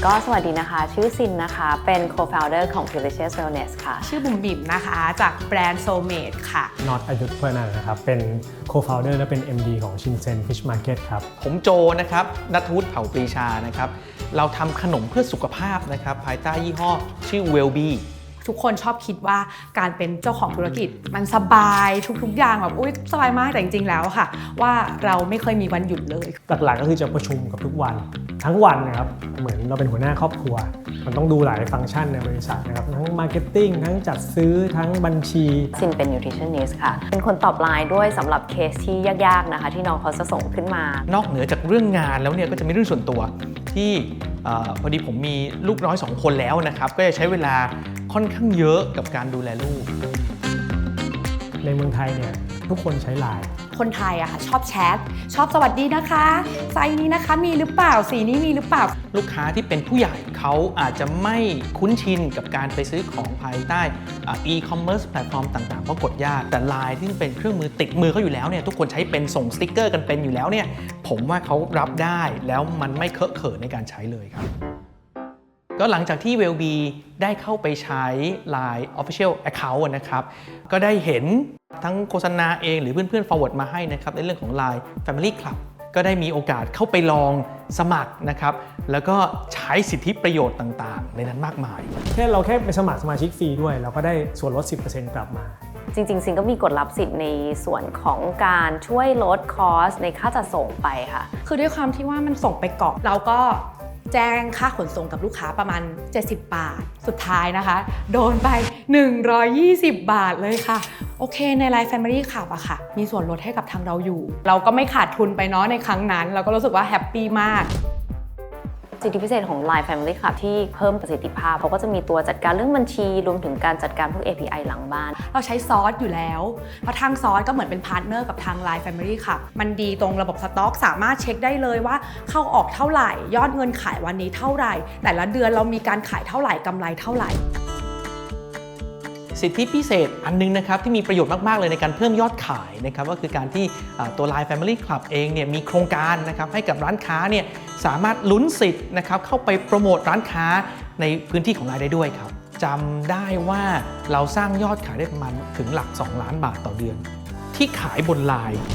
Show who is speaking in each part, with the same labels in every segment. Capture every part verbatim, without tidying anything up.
Speaker 1: ก็สวัสดีนะคะชื่อซินนะคะเป็น co-founder ของ Delicious Wellness ค่ะ
Speaker 2: ชื่อบุ๋มบิ่มนะคะจากแบรนด์ Soulmate ค่ะ
Speaker 3: น็อตอยุธเพื่อนันนะครับเป็น co-founder และเป็น เอ็ม ดี ของชินเซ็น Fish Market ครับ
Speaker 4: ผมโจนะครับณัฐวุฒิเผ่าปรีชานะครับเราทำขนมเพื่อสุขภาพนะครับภายใต้ยี่ห้อชื่อ Wellbe
Speaker 2: ทุกคนชอบคิดว่าการเป็นเจ้าของธุรกิจมันสบายทุกๆอย่างแบบอุ๊ยสบายมากแต่จริงๆแล้วค่ะว่าเราไม่เคยมีวันหยุดเลย
Speaker 3: หลักๆก็คือจะประชุมกับทุกวันทั้งวันนะครับเหมือนเราเป็นหัวหน้าครอบครัวมันต้องดูหลายฟังก์ชันในบริษัทนะครับทั้งมาร์เก็ตติ้งทั้งจัดซื้อทั้งบัญชี
Speaker 1: ซินเป็น nutritionist ค่ะเป็นคนตอบไลน์ด้วยสำหรับเคสที่ยากๆนะคะที่น้องเขาจะส่งขึ้นมาน
Speaker 4: อกเหนือจากเรื่องงานแล้วเนี่ยก็จะมีเรื่องส่วนตัวที่พอดีผมมีลูกน้อยสองคนแล้วนะครับก็จะใช้เวลาค่อนข้างเยอะกับการดูแลลูก
Speaker 3: ในเมืองไทยเนี่ยทุกคนใช้ไลน์
Speaker 2: คนไทยอะค่ะชอบแชทชอบสวัสดีนะคะไซส์นี้นะคะมีหรือเปล่าสีนี้มีหรือเปล่า
Speaker 4: ลูกค้าที่เป็นผู้ใหญ่เขาอาจจะไม่คุ้นชินกับการไปซื้อของภายใต้ e-commerce แพลตฟอร์มต่างๆเพราะกดยากแต่ ไลน์ ที่เป็นเครื่องมือติดมือเขาอยู่แล้วเนี่ยทุกคนใช้เป็นส่งสติ๊กเกอร์กันเป็นอยู่แล้วเนี่ยผมว่าเขารับได้แล้วมันไม่เคอะเขินในการใช้เลยครับก็หลังจากที่ Wellbe ได้เข้าไปใช้ ไลน์ Official Account นะครับก็ได้เห็นทั้งโฆษณาเองหรือเพื่อนๆ forward มาให้นะครับในเรื่องของ ไลน์ Family Club ก็ได้มีโอกาสเข้าไปลองสมัครนะครับแล้วก็ใช้สิทธิประโยชน์ต่างๆในนั้นมากมาย
Speaker 3: แค่เราแค่ไปสมัครสมาชิกฟรีด้วยเราก็ได้ส่วนลด สิบเปอร์เซ็นต์ กลับมา
Speaker 1: จริงๆซินก็มีกฎลับสิทธิ์ในส่วนของการช่วยลดคอสในค่าจัดส่งไปค่ะ
Speaker 2: คือด้วยความที่ว่ามันส่งไปเกาะเราก็แจ้งค่าขนส่งกับลูกค้าประมาณเจ็ดสิบบาทสุดท้ายนะคะโดนไปหนึ่งร้อยยี่สิบบาทเลยค่ะโอเคใน ไลน์ Family Club อะค่ะมีส่วนลดให้กับทางเราอยู่เราก็ไม่ขาดทุนไปเนาะในครั้งนั้นเราก็รู้สึกว่าแฮปปี้มาก
Speaker 1: สิทธิพิเศษของ ไลน์ Family Club ที่เพิ่มประสิทธิภาพเขาก็จะมีตัวจัดการเรื่องบัญชีรวมถึงการจัดการพวก เอ พี ไอ หลังบ้าน
Speaker 2: เราใช้ซอสอยู่แล้วเพราะทางซอสก็เหมือนเป็นพาร์ทเนอร์กับทาง ไลน์ Family Club มันดีตรงระบบสต็อกสามารถเช็คได้เลยว่าเข้าออกเท่าไหร่ยอดเงินขายวันนี้เท่าไหร่แต่ละเดือนเรามีการขายเท่าไหร่กำไรเท่าไหร่
Speaker 4: สิทธิพิเศษอันนึงนะครับที่มีประโยชน์มากๆเลยในการเพิ่มยอดขายนะครับก็คือการที่ตัว ไลน์ Family Club เองเนี่ยมีโครงการนะครับให้กับร้านค้าเนี่ยสามารถลุ้นสิทธิ์นะครับเข้าไปโปรโมทร้านค้าในพื้นที่ของ ไลน์ ได้ด้วยครับจำได้ว่าเราสร้างยอดขายได้ประมาณถึงหลักสองล้านบาทต่อเดือนที่ขายบน ไลน์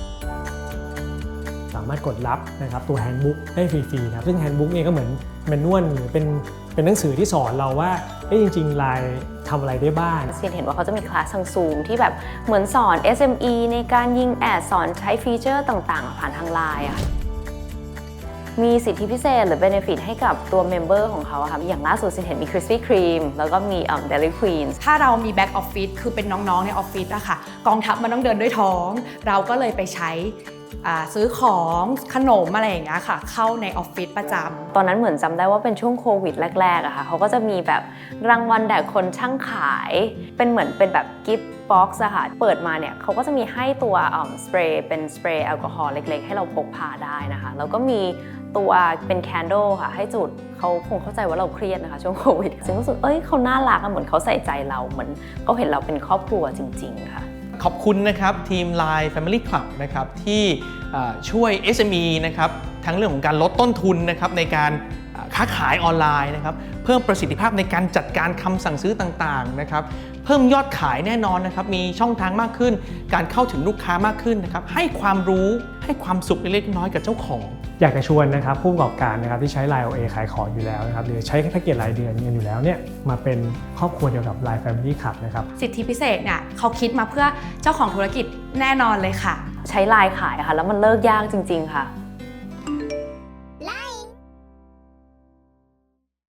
Speaker 3: สามารถกดรับนะครับตัวแฮนด์บุ๊กได้ฟรีๆนะครับซึ่งแฮนด์บุ๊กเนี่ยก็เหมือนแมนนวลหรือเป็นเป็นหนังสือที่สอนเราว่าเอ้จริงๆ ไลน์ ทำอะไรได้บ้าง
Speaker 1: ซินเห็นว่าเขาจะมีคลาสทางซูมที่แบบเหมือนสอน เอส เอ็ม อี ในการยิงแอดสอนใช้ฟีเจอร์ต่างๆผ่านทาง ไลน์ อะมีสิทธิพิเศษหรือ benefit ให้กับตัวเมมเบอร์ของเขาค่ะอย่างล่าสุดซินเห็นมี Krispy Kreme แล้วก็มี Dairy Queen
Speaker 2: ถ้าเรามี back office คือเป็นน้องๆในออฟฟิศอะค่ะกองทัพมันต้องเดินด้วยท้องเราก็เลยไปใช้ซื้อของขนมอะไรอย่างเงี้ยค่ะเข้าในออฟฟิศประจำ
Speaker 1: ตอนนั้นเหมือนจำได้ว่าเป็นช่วงโควิดแรกๆอะค่ะเขาก็จะมีแบบรางวัลแด่คนช่างขายเป็นเหมือนเป็นแบบกิฟต์บ็อกซ์อะค่ะเปิดมาเนี่ยเขาก็จะมีให้ตัวสเปรย์เป็นสเปรย์แอลกอฮอล์เล็กๆให้เราพกพาได้นะคะแล้วก็มีตัวเป็นแคนโดลค่ะให้จุดเขาคงเข้าใจว่าเราเครียดนะคะช่วงโควิดซึ่งรู้สึกเอ้ยเขาน่ารักอะเหมือนเขาใส่ใจเราเหมือนเขาเห็นเราเป็นครอบครัวจริงๆค่ะ
Speaker 4: ขอบคุณนะครับทีม ไลน์ Family Club นะครับที่ช่วย เอส เอ็ม อี นะครับทั้งเรื่องของการลดต้นทุนนะครับในการค้าขายออนไลน์นะครับเพิ่มประสิทธิภาพในการจัดการคำสั่งซื้อต่างๆนะครับเพิ่มยอดขายแน่นอนนะครับมีช่องทางมากขึ้นการเข้าถึงลูกค้ามากขึ้นนะครับให้ความรู้ให้ความสุขเล็กๆน้อยๆกับเจ้าของ
Speaker 3: อยากจะชวนนะครับผู้ประกอบการนะครับที่ใช้ ไลน์ โอ เอ ขายของอยู่แล้วนะครับหรือใช้แพ็กเกจรายเดือนกันอยู่แล้วเนี่ยมาเป็นครอบครัวเดียวกับ ไลน์ Family Club นะครับ
Speaker 2: สิทธิพิเศษเนี่ยเขาคิดมาเพื่อเจ้าของธุรกิจแน่นอนเลยค่ะ
Speaker 1: ใช้ ไลน์ ขายค่ะแล้วมันเลิกยากจริงๆค่ะ